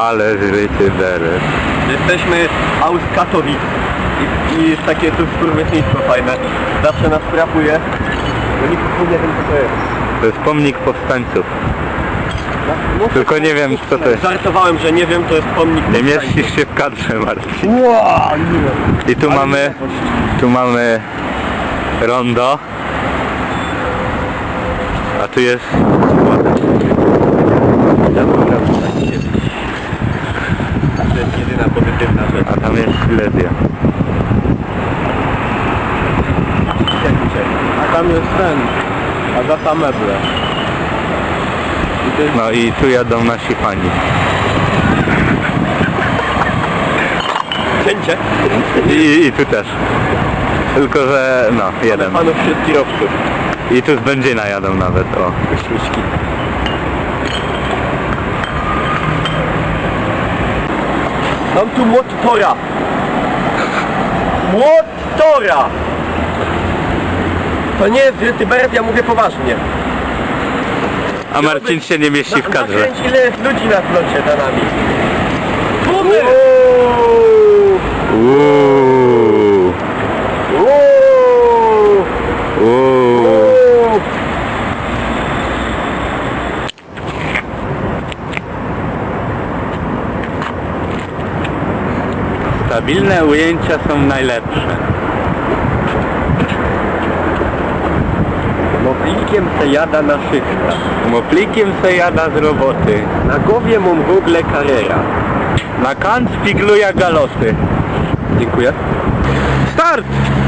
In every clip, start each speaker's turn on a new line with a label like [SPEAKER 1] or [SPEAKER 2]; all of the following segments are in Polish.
[SPEAKER 1] Ale życie deres.
[SPEAKER 2] Jesteśmy aus Katowic i jest takie tu skurwysyństwo fajne. Zawsze nas frapuje, bo nikt nie wiem co to jest.
[SPEAKER 1] To jest pomnik powstańców. Tylko nie wiem co to jest.
[SPEAKER 2] Żartowałem, że nie wiem, to jest pomnik
[SPEAKER 1] Nie
[SPEAKER 2] powstańców.
[SPEAKER 1] mieścisz się w kadrze, Marcin.
[SPEAKER 2] Wow, nie.
[SPEAKER 1] I tu mamy rondo. A tu jest
[SPEAKER 2] To jest jedyna pozytywna rzecz.
[SPEAKER 1] a tam jest Silesia.
[SPEAKER 2] A tam jest ten, Agata Meble. I to jest...
[SPEAKER 1] No i tu jadą nasi fani.
[SPEAKER 2] Cięcie.
[SPEAKER 1] I tu też. Tylko że no, jeden.
[SPEAKER 2] Panów wśród kierowców.
[SPEAKER 1] I tu z Będzina jadą nawet, o.
[SPEAKER 2] Śmieszki. Mam tu młot Tora. Młot Tora! To nie jest Wielki Beret, ja mówię poważnie.
[SPEAKER 1] A Marcin się nie mieści w kadrze.
[SPEAKER 2] Nakręć, ile jest ludzi na flocie za nami. Bumy!
[SPEAKER 1] Uuuu. Uuuu. Stabilne ujęcia są najlepsze.
[SPEAKER 2] Moplikiem se jada na szychta.
[SPEAKER 1] Moplikiem se jada z roboty.
[SPEAKER 2] Na głowie mam w ogóle karera.
[SPEAKER 1] Na kant spigluja galosy.
[SPEAKER 2] Dziękuję.
[SPEAKER 1] Start!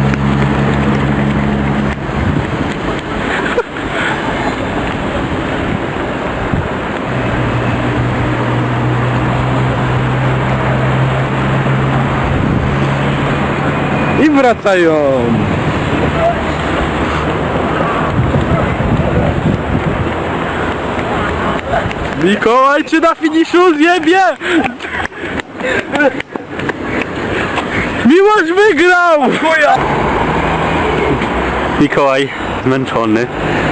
[SPEAKER 1] I wracają. Mikołaj, czy na finiszu zjebie? Miłosz wygrał!
[SPEAKER 2] Chuja!
[SPEAKER 1] Mikołaj zmęczony.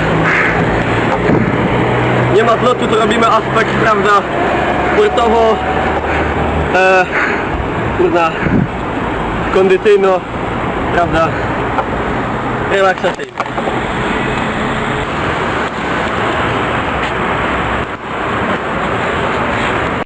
[SPEAKER 2] Nie ma zlotu, to robimy aspekt, prawda, sportowo, kurna, kondycyjno, prawda, relaksacyjny.